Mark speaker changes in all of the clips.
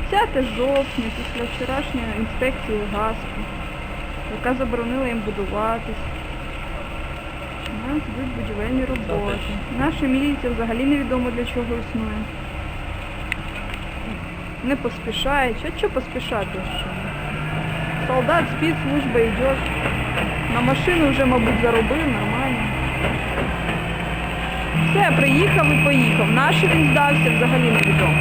Speaker 1: 10 жовтня, після вчорашньої інспекції ГАСКу, яка заборонила їм будуватись. У нас будуть будівельні роботи. Наша міліція взагалі невідомо для чого існує. Не поспішають. А що поспішати? Солдат спецслужби йде. На машину вже, мабуть, заробив, нормально. Все, приїхав і поїхав. Наш він здався, взагалі невідомо.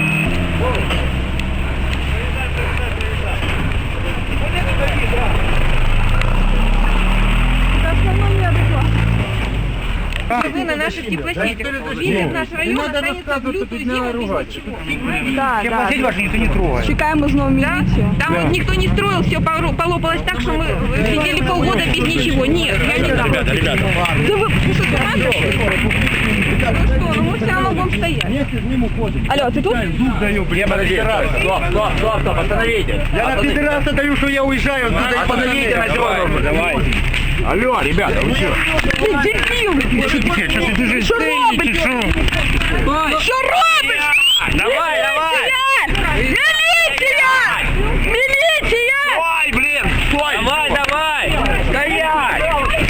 Speaker 1: Это основной неадекват.
Speaker 2: Вы на наших теплосетях. Видит наш район, останется в лютую зиму без ничего.
Speaker 1: Да, да.
Speaker 3: Теплосеть вашу никто не трогает.
Speaker 1: Чекаємо знову міліцію.
Speaker 2: Там вот никто не строил, все полопалось так, что мы сидели полгода без ничего. Нет, я не дам.
Speaker 3: Ребята.
Speaker 1: Да вы что, дурак?
Speaker 2: Ну что, ну мы все равно будем стоять.
Speaker 1: Алло, ты тут?
Speaker 3: Я стоп, остановите. Я на пидораса даю, что я уезжаю. Остановите на дорогу. Давай. Алло, ребята, вы что?
Speaker 1: Ти дебіл! Що робиш? Що робиш?
Speaker 3: Давай!
Speaker 1: Міліція! Міліція!
Speaker 3: Стой, блин! Стой! Давай! Стоять!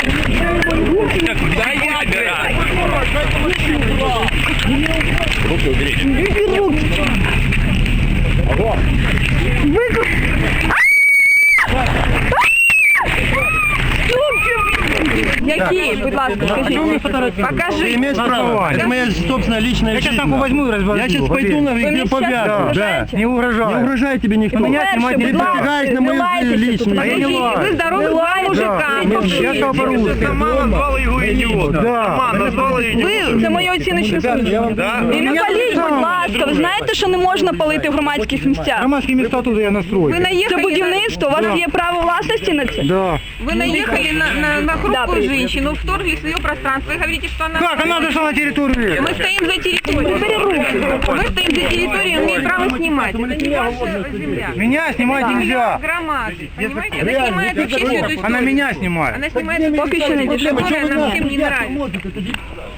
Speaker 3: Стоять, блин! Руки уберите.
Speaker 1: Убери руки!
Speaker 3: Ого!
Speaker 1: Які, будь ласка, скажіть. Покажи.
Speaker 4: Имеешь право. Это моя собственная личная жизнь. Я сейчас возьму и развожу. Я сейчас пойду на
Speaker 1: Вы мне
Speaker 4: где
Speaker 1: сейчас
Speaker 4: повяжу. Да.
Speaker 1: угрожаете?
Speaker 4: Не угрожаю. Не угрожает тебе никто.
Speaker 1: Меня снимать не
Speaker 4: посягает на мою личную.
Speaker 2: Подождите, вы здоровый два мужика.
Speaker 4: Я кооперую.
Speaker 3: Сама назвала его идиотом. Сама назвала его идиотом.
Speaker 1: Це моє оціночне судження. І не паліть, будь ласка. Ви знаєте, що не можна палити в громадських місцях?
Speaker 4: Громадские места тут я настрою.
Speaker 1: Це будівництво, у вас є право власності на це?
Speaker 4: Да.
Speaker 2: Вы наехали на хрупкую
Speaker 1: привет.
Speaker 2: женщину, вторглись в ее пространство. Вы говорите, что она...
Speaker 4: Как она зашла на территорию?
Speaker 2: Мы стоим за территорией. Мы стоим за территорией, имеем право снимать. Это не ваша земля.
Speaker 4: Меня снимать нельзя.
Speaker 2: Громады. Понимаете? Она снимает вообще всю эту историю.
Speaker 4: Она меня снимает.
Speaker 2: Она снимает пока еще не
Speaker 1: Почему
Speaker 2: которая нам всем не нравится.